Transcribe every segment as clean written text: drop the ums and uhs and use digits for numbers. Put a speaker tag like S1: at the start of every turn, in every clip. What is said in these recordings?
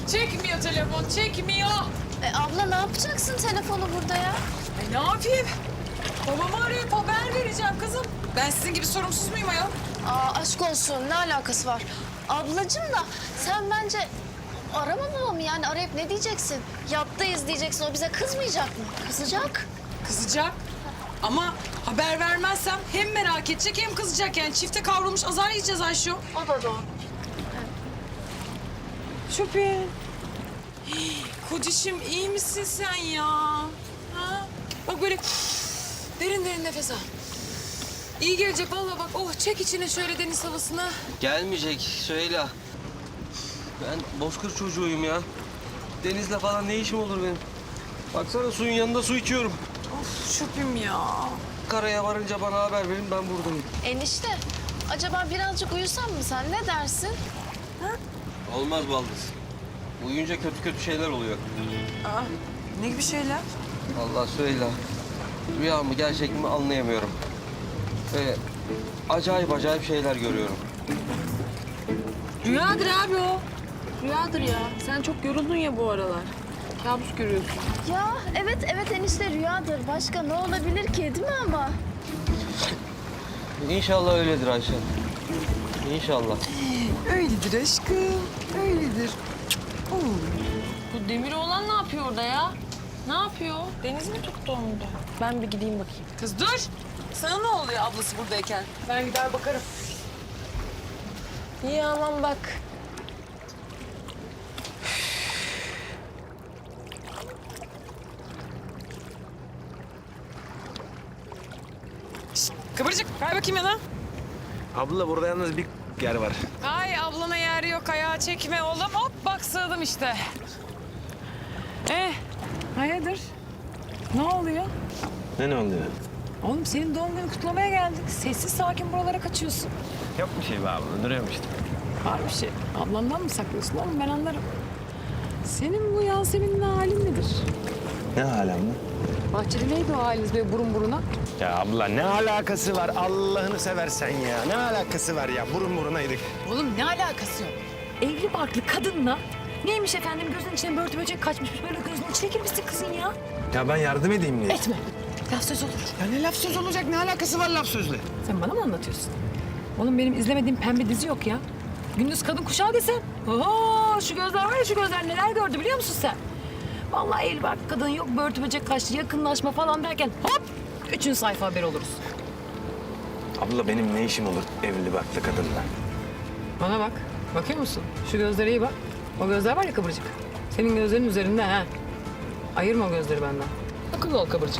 S1: Çekmiyor telefon, çekmiyor.
S2: Abla ne yapacaksın telefonu burada ya?
S1: Ne yapayım? Babamı arayıp haber vereceğim kızım. Ben sizin gibi sorumsuz muyum ayol?
S2: Aşk olsun ne alakası var? Ablacığım da sen bence arama babamı yani arayıp ne diyeceksin? Yattayız diyeceksin o bize kızmayacak mı? Kızacak.
S1: Kızacak. Ama haber vermezsem hem merak edecek hem kızacak. Yani çifte kavrulmuş azar yiyeceğiz Ayşe.
S2: O da doğru.
S1: Şüphe. Kocişim iyi misin sen ya? Ha? Bak böyle derin derin nefes al. İyi gelecek vallahi bak. Oh çek içine şöyle deniz havasını.
S3: Gelmeyecek Süheyla. Ben bozkır çocuğuyum ya. Denizle falan ne işim olur benim? Baksana suyun yanında su içiyorum.
S1: Of şüphem ya.
S3: Karaya varınca bana haber verin, ben buradayım.
S2: Enişte acaba birazcık uyusan mı sen ne dersin?
S3: Olmaz baldız. Uyuyunca kötü kötü şeyler oluyor.
S1: Aa, ne gibi şeyler?
S3: Vallahi Süheyla, rüya mı gerçek mi anlayamıyorum. Ve acayip şeyler görüyorum.
S1: Rüyadır abi o. Rüyadır ya. Sen çok yoruldun ya bu aralar. Kabus görüyorsun.
S2: Ya evet enişte rüyadır. Başka ne olabilir ki değil mi ama?
S3: İnşallah öyledir Ayşe. İnşallah.
S1: Öyledir aşkım. Öyledir. Bu Demir oğlan ne yapıyor orada ya? Ne yapıyor? Deniz mi tuttu onu da? Ben bir gideyim bakayım. Kız dur. Sana ne oluyor ablası buradayken? Ben gider bakarım. İyi aman bak. Şişt, kıvırcık. Kay bakayım yana.
S4: Abla burada yalnız bir yer var.
S1: Ay ablana yer yok. Ayağı çekme oğlum. Hop bak sığdım işte. Hayırdır? Ne oluyor?
S4: Ne oluyor?
S1: Oğlum senin doğum günü kutlamaya geldik. Sessiz sakin buralara kaçıyorsun.
S4: Yok bir şey be abla, duruyorum işte.
S1: Var bir şey. Ablandan mı saklıyorsun oğlum? Ben anlarım. Senin bu Yasemin'in halin nedir?
S4: Ne alem mi?
S1: Bahçede neydi o haliniz böyle burun buruna?
S4: Ya abla ne alakası var Allah'ını seversen ya. Ne alakası var ya, burun burunaydık.
S1: Oğlum ne alakası yok? Evli barklı kadınla neymiş efendim gözünün içine börtü böcek kaçmış böyle gözünün içine girmişsin kızın ya.
S4: Ya ben yardım edeyim diye.
S1: Etme. Laf söz olur.
S4: Ya ne laf söz olacak, ne alakası var laf sözle?
S1: Sen bana mı anlatıyorsun? Oğlum benim izlemediğim pembe dizi yok ya. Gündüz kadın kuşağı desen. Oho şu gözler var ya şu gözler neler gördü biliyor musun sen? Vallahi el bak kadın yok börtü böcek kaçtı yakınlaşma falan derken hop 3. sayfa haber oluruz.
S4: Abla benim ne işim olur evli barklı kadınla?
S1: Bana bak. Bakıyor musun? Şu gözlere iyi bak. O gözler var ya kıvırcık. Senin gözlerin üzerinde ha. Ayırma o gözleri benden. Akıllı ol kıvırcık.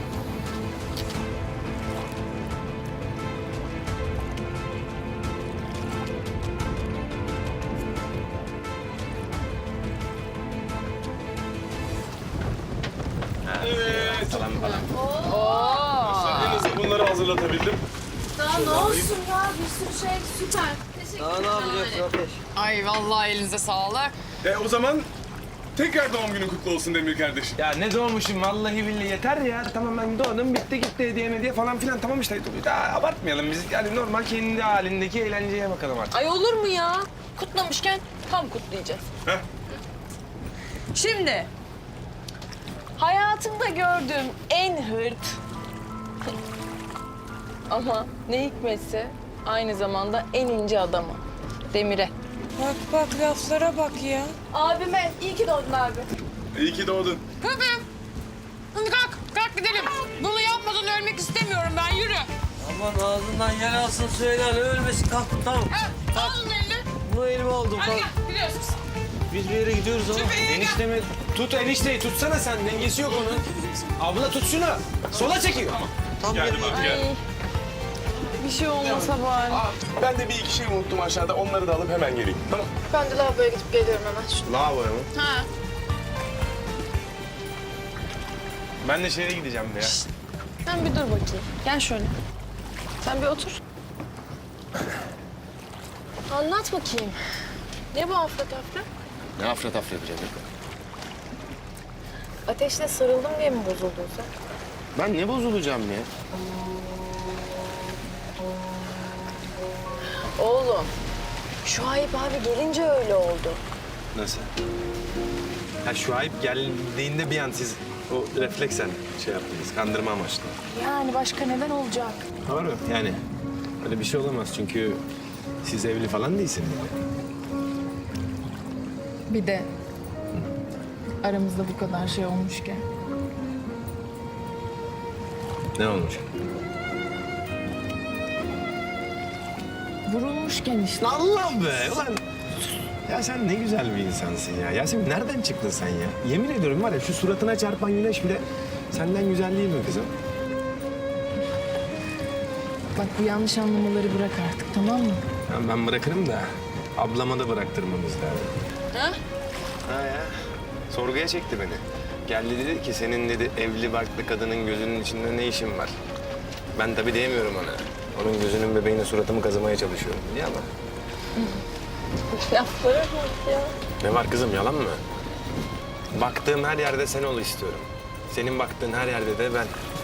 S4: Falan falan.
S5: En hızlı bunları hazırlatabildim.
S2: Daha ne olsun ya bir sürü şey süper. Teşekkür
S3: Daha ne yapacaksın ateş?
S1: Ay vallahi elinize sağlık.
S5: O zaman tekrar doğum günün kutlu olsun Demir kardeşim.
S4: Ya ne doğmuşum vallahi billahi yeter ya. Tamam ben doğdum bitti gitti hediye falan filan tamam işte. Daha abartmayalım biz yani normal kendi halindeki eğlenceye bakalım artık.
S1: Ay olur mu ya? Kutlamışken tam kutlayacağız.
S5: Heh.
S1: Şimdi hayatımda gördüğüm en hırt ama ne hikmetse aynı zamanda en ince adamı Demir'e. Bak bak laflara bak ya.
S2: Abime iyi ki doğdun abi.
S5: İyi ki doğdun.
S1: Hıpım. Hadi kalk gidelim. Bunu yapmadan ölmek istemiyorum ben yürü.
S3: Aman ağzından yer alsın Süheyla, ne ölmesin, kalk tamam.
S1: Al onun elini.
S3: Bu elime oldum,
S1: Hadi
S3: kalk.
S1: gel gidiyoruz biz.
S3: Biz bir yere gidiyoruz ama.
S4: Eniştemi tut enişteyi tutsana sen dengesi yok onun. Abla tut şunu. Sola çekiyor.
S3: Tam
S5: Geldim
S3: yerine
S5: abi gel.
S1: Bir şey olmasa bari.
S5: Ben de bir iki şey unuttum aşağıda. Onları da alıp hemen geleyim. Tamam.
S2: Ben de lavaboya gidip geliyorum hemen.
S4: Lavaboya mı?
S1: Ha.
S4: Ben de şeye gideceğim ya.
S1: Sen bir dur bakayım. Gel şöyle. Sen bir otur. Anlat bakayım. Ne bu afra tafra?
S4: Ne afra tafra yapacağım ya?
S1: Ateşle sarıldım diye mi bozuldun sen?
S4: Ben ne bozulacağım ya?
S2: Oğlum, Şuayb abi gelince öyle oldu.
S4: Nasıl? Ha Şuayb geldiğinde bir an siz o refleksen şey yaptınız, kandırma amaçlı.
S1: Yani başka neden olacak?
S4: Doğru yani. Öyle bir şey olamaz çünkü siz evli falan değilsiniz.
S6: Bir de aramızda bu kadar şey olmuşken.
S4: Ne olmuş?
S6: Vurulmuşken işte.
S4: Allah be ulan. Ya sen ne güzel bir insansın ya. Yasemin nereden çıktın sen ya? Yemin ediyorum var ya şu suratına çarpan güneş bile senden güzel değil mi kızım?
S6: Bak bu yanlış anlamaları bırak artık, tamam mı?
S4: Ben bırakırım da ablama da bıraktırmamız lazım.
S2: Ha?
S4: Ha ya. Sorguya çekti beni. Geldi dedi ki senin dedi evli barklı kadının gözünün içinde ne işin var? Ben tabii diyemiyorum ona. Onun gözünün bebeğine suratımı kazımaya çalışıyorum biliyor ama.
S2: Laflara bak ya.
S4: Ne var kızım yalan mı? Baktığım her yerde sen ol istiyorum. Senin baktığın her yerde de ben.